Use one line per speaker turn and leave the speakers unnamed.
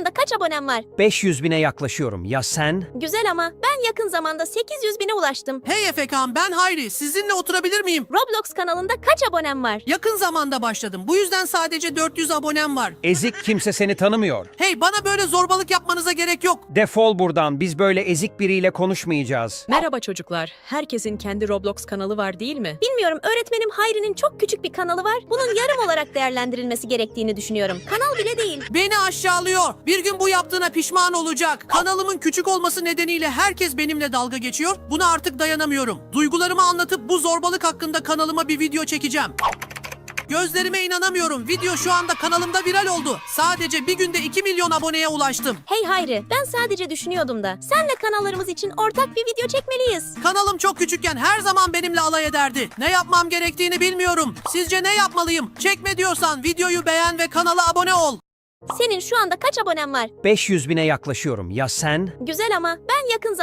anda kaç abonem var?
500 bine yaklaşıyorum. Ya sen?
Güzel ama ben yakın zamanda 800 bine ulaştım.
Hey Efekan, ben Hayri. Sizinle oturabilir miyim?
Roblox kanalında kaç abonem var?
Yakın zamanda başladım. Bu yüzden sadece 400 abonem var.
Ezik, kimse seni tanımıyor.
Hey, bana böyle zorbalık yapmanıza gerek yok.
Defol buradan. Biz böyle ezik biriyle konuşmayacağız.
Merhaba çocuklar. Herkesin kendi Roblox kanalı var değil mi?
Bilmiyorum, öğretmenim Hayri'nin çok küçük bir kanalı var. Bunun yarım olarak değerlendirilmesi gerektiğini düşünüyorum. Kanal bile değil.
Beni aşağılıyor. Bir gün bu yaptığına pişman olacak. Kanalımın küçük olması nedeniyle herkes benimle dalga geçiyor. Buna artık dayanamıyorum. Duygularımı anlatıp bu zorbalık hakkında kanalıma bir video çekeceğim. Gözlerime inanamıyorum. Video şu anda kanalımda viral oldu. Sadece bir günde 2 milyon aboneye ulaştım.
Hey Hayri, ben sadece düşünüyordum da. Senle kanallarımız için ortak bir video çekmeliyiz.
Kanalım çok küçükken her zaman benimle alay ederdi. Ne yapmam gerektiğini bilmiyorum. Sizce ne yapmalıyım? Çekme diyorsan videoyu beğen ve kanala abone ol.
Senin şu anda kaç abonen var?
500 bine yaklaşıyorum. Ya sen?
Güzel ama ben yakın